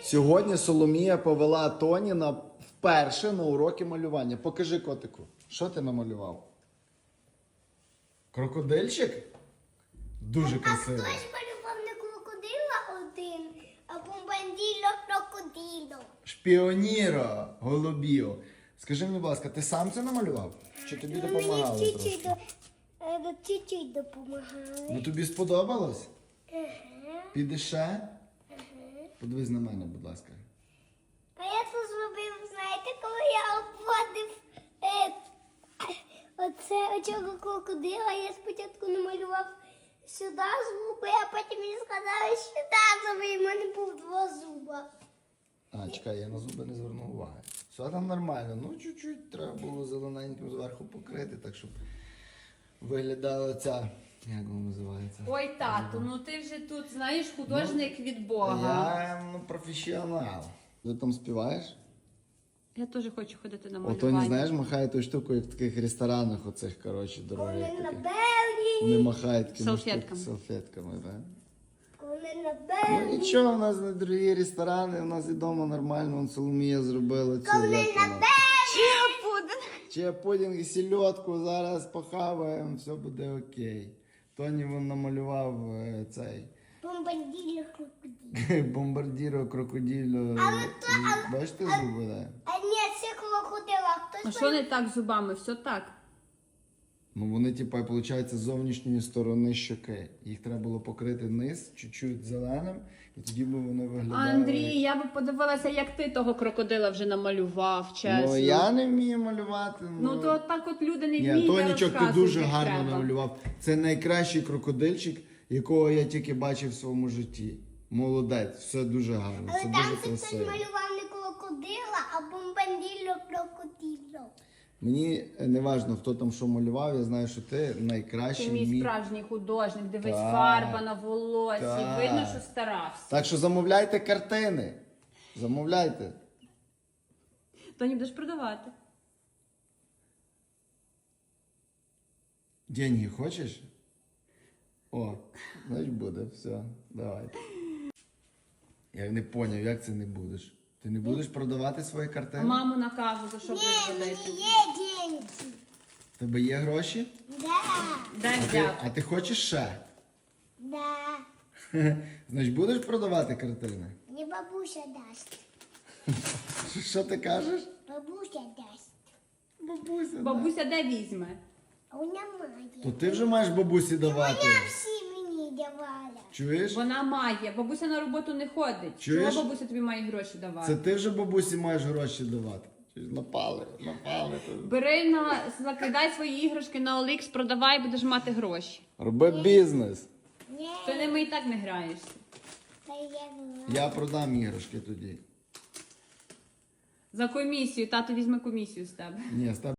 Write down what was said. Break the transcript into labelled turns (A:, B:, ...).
A: Сьогодні Соломія повела Тоні вперше на уроки малювання. Покажи котику, що ти намалював? Крокодильчик? Дуже красивий.
B: Хтось малював не крокодила один, а бомбанділо крокодило.
A: Шпіоніро, голубіо. Скажи мені, будь ласка, ти сам це намалював? Чи тобі допомагали
B: Мені
A: трошки?
B: чуть-чуть допомагали.
A: Ну тобі сподобалось?
B: Ага.
A: Підеш ще? Подивись на мене, будь ласка.
B: А я це зробив, знаєте, коли я обводив оцього крокодила, я спочатку намалював сюди зуби, а потім мені сказали, що сюди зуби, і в мене був два зуба.
A: А, чекай, я на зуби не звернув уваги. Все там нормально. Ну, чуть-чуть треба було зелененьким зверху покрити, так щоб виглядала ця, як вона називається?
C: Ой, тату, ну ти вже тут, знаєш, художник від Бога.
A: Я професіонал. Ти там співаєш?
C: Я теж хочу ходити на
A: Ото
C: малювання.
A: не знаєш, махає ту штуку, як в таких ресторанах оцих, коротше, дорогих
B: Коли на
A: таких.
B: Берліні,
A: Вони махають такими
C: Салфетками.
A: салфетками, так?
B: коли на
A: Ну
B: Берліні,
A: нічого, у нас не дорогі ресторани, у нас і вдома нормально, вон Соломія зробила цю.
B: коли
A: як
B: на
A: вона? Чи пудінг і сільодку зараз похаваємо, все буде окей. Тоні вон намалював цей
B: бомбанділо крокодило.
A: бомбардіро, крокодило. Бачите зуби, да?
B: А ні, це крокодила.
C: А
B: Хтось
C: що не так з зубами? Все так.
A: Ну вони, типа, виходить, з зовнішньої сторони щоки. Їх треба було покрити низ, чуть-чуть зеленим, і тоді б вони виглядали.
C: Андрій, я би подивилася, як ти того крокодила вже намалював, чесно.
A: Ну я не вмію малювати.
C: Ну то так от люди не
A: Ні,
C: вміють, я
A: Тонічок, ти
C: розказую,
A: дуже
C: як
A: гарно
C: треба.
A: намалював. Це найкращий крокодильчик, якого я тільки бачив в своєму житті. Молодець, все дуже гарно,
B: Але
A: це
B: там
A: дуже
B: це хтось
A: красиво.
B: малював не крокодила, а бомбанділо крокодило.
A: Мені не важливо, хто там що малював, я знаю, що ти найкращий.
C: Ти мій справжній художник, дивись,
A: Так.
C: фарба на волосі,
A: Так.
C: видно, що старався.
A: Так що замовляйте картини. Замовляйте.
C: Тоні будеш продавати.
A: Деньги хочеш? О, значить буде, все, давай. Я не поняв, як це не будеш? Ти не будеш продавати свої картини?
C: Маму накажу, за що будеш
B: Ні,
C: ходити.
B: мені є деньги.
A: В тебе є гроші?
B: Да,
C: Дай
A: А
C: взяти.
A: ти хочеш ще?
B: да.
A: Значить, будеш продавати картини?
B: Мені бабуся дасть.
A: Що ти кажеш?
B: Бабуся дасть.
A: Бабуся.
C: Бабуся де візьме?
B: А у немає.
A: То ти вже маєш бабусі давати.
B: Вона всі мені давала.
A: Чуєш?
C: Вона має. Бабуся на роботу не ходить.
A: Чуєш?
C: Чого бабуся тобі має гроші давати?
A: Це ти вже бабусі маєш гроші давати. Чуєш? Напали.
C: Бери закидай свої іграшки на OLX, продавай, будеш мати гроші.
A: Роби бізнес.
B: Ні,
C: Ти ними і так не граєшся.
B: та я була.
A: Я продам іграшки тоді.
C: За комісію, тато візьме комісію з тебе.
A: Ні, з тебе